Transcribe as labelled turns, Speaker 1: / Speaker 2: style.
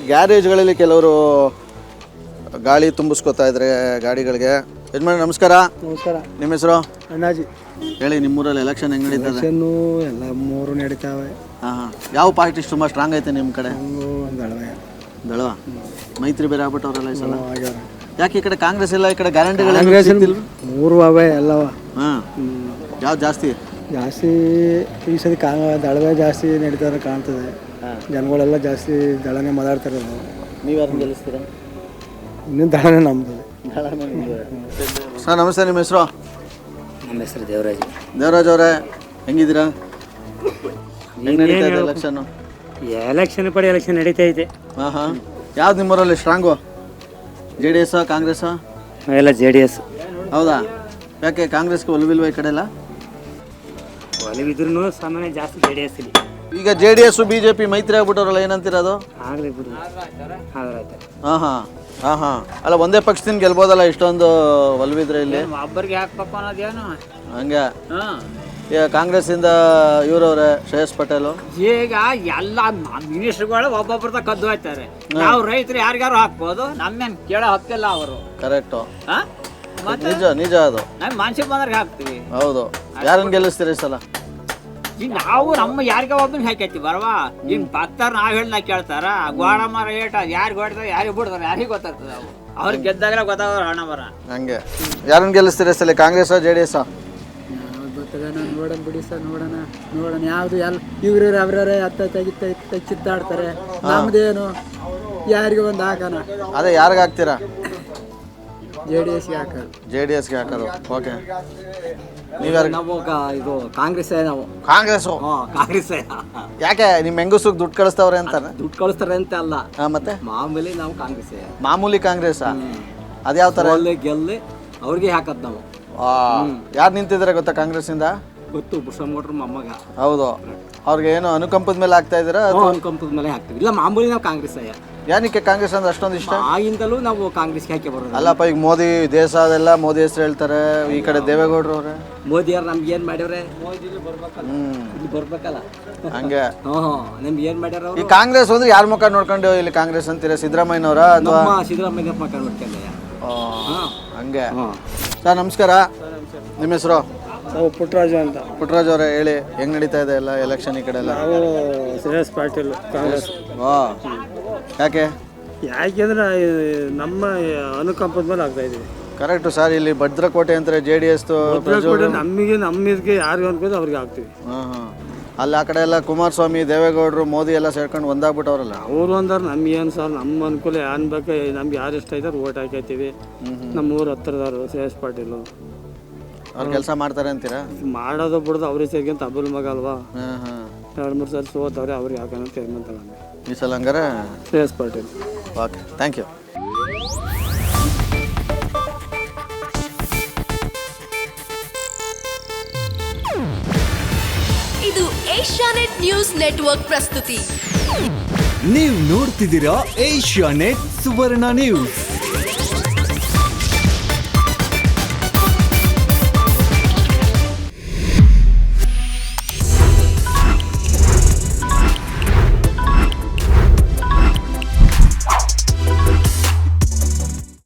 Speaker 1: ಗ್ಯಾರೇಜ್ಗಳಲ್ಲಿ ಕೆಲವರು ಗಾಳಿ ತುಂಬಿಸ್ಕೊತಾ ಇದ್ದಾರೆ ಗಾಡಿಗಳಿಗೆ. ಯಜಮಾನ ನಮಸ್ಕಾರ.
Speaker 2: ನಮಸ್ಕಾರ.
Speaker 1: ನಿಮ್ಮ ಹೆಸರು?
Speaker 2: ಅಣ್ಣಾಜಿ.
Speaker 1: ಹೇಳಿ, ನಿಮ್ಮೂರಲ್ಲಿ ಎಲೆಕ್ಷನ್ ಹೆಂಗೆ ನಡೀತದೆ?
Speaker 2: ಎಲ್ಲ ಮೂರು ನಡೀತಾವೆ.
Speaker 1: ಹಾಂ. ಯಾವ ಪಾರ್ಟಿ ತುಂಬ ಸ್ಟ್ರಾಂಗ್ ಐತೆ ನಿಮ್ಮ ಕಡೆ? ದಳವ. ಮೈತ್ರಿ ಬೇರೆ ಆಗ್ಬಿಟ್ಟವ್ರಲ್ಲ ಈ ಸಲ. ಯಾಕೆ ಈ ಕಡೆ ಕಾಂಗ್ರೆಸ್ ಇಲ್ಲ, ಈ ಕಡೆ ಗ್ಯಾರಂಟಿಗಳು
Speaker 2: ಮೂರು ಅವೇ ಎಲ್ಲವ?
Speaker 1: ಹಾಂ. ಯಾವ್ದು ಜಾಸ್ತಿ?
Speaker 2: ಈ ಸತಿ ದಳವೇ ಜಾಸ್ತಿ ನಡೀತಾರೆ ಕಾಣ್ತದೆ. ಜನಗಳೆಲ್ಲ ಜಾಸ್ತಿ ದಳನೇ ಮಾತಾಡ್ತಾರೆ.
Speaker 1: ನೀವು ಯಾರನ್ನ ಗೆಲ್ಲಿಸ್ತೀರಾ?
Speaker 2: ಇನ್ನೂ ದಳನೇ ನಮ್ಮದು.
Speaker 1: ಸರ್ ನಮಸ್ತೆ, ನಿಮ್ಮ ಹೆಸರು?
Speaker 3: ನಮ್ಮ ಹೆಸರು ದೇವರಾಜ್.
Speaker 1: ದೇವರಾಜ್ ಅವರೇ, ಹೆಂಗಿದ್ದೀರಾ? ಹೆಂಗೆ ನಡೀತಾ ಇದೆ ಎಲೆಕ್ಷನ್ನು?
Speaker 3: ಎಲೆಕ್ಷನ್ ನಡೀತಾ ಇದೆ.
Speaker 1: ಹಾಂ ಹಾಂ. ಯಾವ್ದು ನಿಮ್ಮೂರಲ್ಲಿ ಸ್ಟ್ರಾಂಗು? JDS ಕಾಂಗ್ರೆಸ್?
Speaker 3: ಎಲ್ಲ JDS.
Speaker 1: ಹೌದಾ? ಯಾಕೆ ಕಾಂಗ್ರೆಸ್ಗೆ ಒಲವಿಲ್ವ ಈ ಕಡೆ ಎಲ್ಲ?
Speaker 3: ಒಲವಿದ್ರೂ ಸಾಮಾನ್ಯ ಜಾಸ್ತಿ JDS ಇಲ್ಲಿ.
Speaker 1: ಈಗ JDS BJP ಮೈತ್ರಿ ಆಗ್ಬಿಟ್ಟವ್ರಲ್ಲ, ಏನಂತೀರದು?
Speaker 3: ಆಗಲಿ ಬಿಡು.
Speaker 1: ಹಾಂ ಹಾಂ ಹಾಂ ಹಾಂ. ಅಲ್ಲ, ಒಂದೇ ಪಕ್ಷದಿಂದ ಗೆಲ್ಬೋದಲ್ಲ ಇಷ್ಟೊಂದು ಒಲವಿದ್ರೆ ಇಲ್ಲಿ?
Speaker 3: ಒಬ್ಬರಿಗೆ ಹಾಕ್ಬೇಕು ಅನ್ನೋದೇನು
Speaker 1: ಹಂಗೆ. ಈಗ ಕಾಂಗ್ರೆಸ್ಸಿಂದ ಇವರವ್ರೆ ಶ್ರೇಯಸ್ ಪಟೇಲು.
Speaker 3: ಈಗ ಎಲ್ಲ ಮಿನಿಸ್ಟರ್ಗಳು ಒಬ್ಬೊಬ್ಬರದ ಕದ್ದು ಹೋಗ್ತಾರೆ. ನಾವು ರೈತರು ಯಾರಿಗಾರು ಹಾಕ್ಬೋದು, ನಮ್ಮೇನು ಕೇಳೋ ಹಕ್ಕಿಲ್ಲ ಅವರು.
Speaker 1: ಕರೆಕ್ಟು. ನಿಜ ಅದು.
Speaker 3: ನಾವು ಮನ್ಸಿಗೆ ಬಂದ್ರೆ ಹಾಕ್ತೀವಿ.
Speaker 1: ಹೌದು. ಯಾರನ್ನು ಗೆಲ್ಲಿಸ್ತೀರಿ ಈ ಸಲ?
Speaker 3: ಈಗ ನಾವು ನಮ್ಮ ಯಾರಿಗ ಒಬ್ಬನ ಹಾಕೈತಿ ಬರವಾ. ಇನ್ ಭಕ್ತರು ನಾವ್ ಹೇಳ ಕೇಳ್ತಾರ. ಗೋಡ ಮರ ಏಟ ಯಾರಿಗೆ ಹೊಡ್ತಾರೆ, ಯಾರಿಗೆ ಬಿಡ್ತಾರೆ, ಯಾರಿಗೆ ಗೊತ್ತಾಗ್ತದೆ. ಅವ್ರಿಗೆ ಗೆದ್ದಾಗಲೇ ಗೊತ್ತಾಗ ಹಣ ಮರ. ಹಂಗೆ.
Speaker 1: ಯಾರನ್ನು ಗೆಲ್ಲಿಸ್ತೀರಿ ಸಲ, ಕಾಂಗ್ರೆಸ್ JDS?
Speaker 2: ನೋಡೋಣ ಬಿಡಿ ಸರ್, ನೋಡೋಣ ಯಾವ್ದು ಎಲ್ಲ ಇವ್ರ ಅವ್ರವ್ರೆ ಚಿತ್ತಾಡ್ತಾರೆ. ನಮ್ದೇನು ಯಾರಿಗೆ ಒಂದು ಹಾಕೋಣ.
Speaker 1: ಅದೇ ಯಾರಿಗೆ ಹಾಕ್ತೀರಾ?
Speaker 2: JDSಗೆ ಹಾಕೋದು.
Speaker 1: JDSಗೆ ಹಾಕೋದು. ಓಕೆ. ನೀವ್ಯಾರು?
Speaker 3: ನಾವು ಇದು ಕಾಂಗ್ರೆಸ್. ನಾವು
Speaker 1: ಕಾಂಗ್ರೆಸ್ಸು.
Speaker 3: ಕಾಂಗ್ರೆಸ್.
Speaker 1: ಯಾಕೆ ನಿಮ್ಮ ಹೆಂಗಸ್ರಿಗೆ ದುಡ್ಡು ಕಳಿಸ್ತವ್ರೆ ಅಂತ?
Speaker 3: ದುಡ್ಡು ಕಳಿಸ್ತಾರೆ ಅಂತ ಅಲ್ಲ,
Speaker 1: ಮತ್ತೆ
Speaker 3: ಮಾಮೂಲಿ ನಾವು ಕಾಂಗ್ರೆಸ್.
Speaker 1: ಮಾಮೂಲಿ ಕಾಂಗ್ರೆಸ್. ಅದ್ಯಾವ ಥರ?
Speaker 3: ಗೆಲ್ಲಿ ಅವ್ರಿಗೆ ಹಾಕದ್ ನಾವು.
Speaker 1: ಯಾರು ನಿಂತಿದ್ದಾರೆ ಗೊತ್ತಾ ಕಾಂಗ್ರೆಸ್ಸಿಂದ?
Speaker 3: ಗೊತ್ತು, ಬುಷಮೋಟ್ರ್ ಮೊಮ್ಮಗ.
Speaker 1: ಹೌದು. ಅವ್ರಿಗೆ ಏನು ಅನುಕಂಪದ ಮೇಲೆ ಹಾಕ್ತಾ ಇದ್ದೀರಾ?
Speaker 3: ಅನುಕಂಪದ ಮೇಲೆ ಹಾಕ್ತೀವಿ. ಇಲ್ಲ, ಮಾಮೂಲಿ ನಾವು ಕಾಂಗ್ರೆಸ್.
Speaker 1: ಏನಕ್ಕೆ ಕಾಂಗ್ರೆಸ್ ಅಂದ್ರೆ ಅಷ್ಟೊಂದು ಇಷ್ಟ?
Speaker 3: ಆಗಿಂದಲೂ ನಾವು ಕಾಂಗ್ರೆಸ್ಗೆ ಹಾಕಿ ಬರೋದು.
Speaker 1: ಅಲ್ಲಪ್ಪ, ಈಗ ಮೋದಿ ದೇಶ ಅದೆಲ್ಲ ಮೋದಿ ಹೆಸರು ಹೇಳ್ತಾರೆ. ಈ ಕಡೆ ದೇವೇಗೌಡರು ಅವ್ರೆ.
Speaker 3: ಮೋದಿ ಅವ್ರು ನಮ್ಗೆ ಏನ್ ಮಾಡ್ಯವ್ರೆ? ಇಲ್ಲಿ ಬರ್ಬೇಕಲ್ಲ.
Speaker 1: ಹಂಗೆ.
Speaker 3: ನಮ್ಗೆ ಏನ್ ಮಾಡ್ಯಾರ?
Speaker 1: ಈ ಕಾಂಗ್ರೆಸ್ ಅಂದ್ರೆ ಯಾರ ಮುಖ ನೋಡ್ಕೊಂಡು ಇಲ್ಲಿ ಕಾಂಗ್ರೆಸ್ ಅಂತೀರಾ? ಸಿದ್ದರಾಮಯ್ಯನವರ ಅಥವಾ?
Speaker 3: ಸಿದ್ದರಾಮಯ್ಯ ಮುಖ ನೋಡ್ಕೊಂಡ.
Speaker 1: ಹಂಗೆ. ಸರ್ ನಮಸ್ಕಾರ. ನಿಮ್ಮ ಹೆಸರು?
Speaker 2: ಪುಟ್ಟರಾಜು ಅಂತ.
Speaker 1: ಪುಟ್ಟರಾಜ್ ಅವರೇ, ಹೇಳಿ, ಹೆಂಗ್ ನಡೀತಾ ಇದೆ ಎಲ್ಲ ಎಲೆಕ್ಷನ್ ಈ ಕಡೆ ಎಲ್ಲ?
Speaker 2: ಶ್ರೇಯಸ್ ಪಾಟೀಲ್ ಕಾಂಗ್ರೆಸ್.
Speaker 1: ಯಾಕೆಂದ್ರೆ
Speaker 2: ನಮ್ಮ ಅನುಕಂಪದ ಮೇಲೆ ಆಗ್ತಾ ಇದೀವಿ.
Speaker 1: Correct sir. ಇಲ್ಲಿ ಭದ್ರಕೋಟೆ ಅಂತಾರೆ JDS.
Speaker 2: ನಮ್ಮಿಗೆ ಯಾರಿಗೆ ಅನ್ಕೋದು ಅವ್ರಿಗೆ ಆಗ್ತೀವಿ.
Speaker 1: ಅಲ್ಲಿ ಆ ಕಡೆ ಎಲ್ಲ ಕುಮಾರಸ್ವಾಮಿ, ದೇವೇಗೌಡರು, ಮೋದಿ ಎಲ್ಲ ಸೇರ್ಕೊಂಡು ಒಂದಾಗ್ಬಿಟ್ಟವ್ರಲ್ಲ.
Speaker 2: ಅವರು ಅಂದಾರ ನಮ್ಗೇನು ಸರ್, ನಮ್ಮ ಅನುಕೂಲ ಏನ್ ಬೇಕು, ನಮ್ಗೆ ಯಾರು ಇಷ್ಟ ಐತಾರ ಓಟ್ ಹಾಕೈತೀವಿ. ನಮ್ಮ ಊರು ಹತ್ರದವ್ರು ಶ್ರೇಯಸ್ ಪಾಟೀಲು
Speaker 1: ಅವ್ರು ಕೆಲಸ ಮಾಡ್ತಾರೆ ಅಂತೀರಾ?
Speaker 2: ಮಾಡೋದು ಬಿಡೋದು ಅವ್ರಿಗೆ ಸೇರ್ಕೊಂತ ಅಬ್ಬಲ್ ಮಗ ಅಲ್ವಾ. 2-3 ಸಲ ಸೋತವ್ರೆ, ಅವ್ರಿಗೆ ಹಾಕೋಣ ತೀರ್ಮಾನ ತಗೊಂಡೆ
Speaker 1: ಈ ಸಲ. ಹಂಗಾರೆ
Speaker 2: Shreyas Patil.
Speaker 1: Okay, thank you.
Speaker 4: ಇದು ಏಷ್ಯಾನೆಟ್ ನ್ಯೂಸ್ ನೆಟ್ವರ್ಕ್ ಪ್ರಸ್ತುತಿ.
Speaker 5: ನೀವು ನೋಡ್ತಿದ್ದೀರಾ ಏಷ್ಯಾನೆಟ್ ಸುವರ್ಣ ನ್ಯೂಸ್.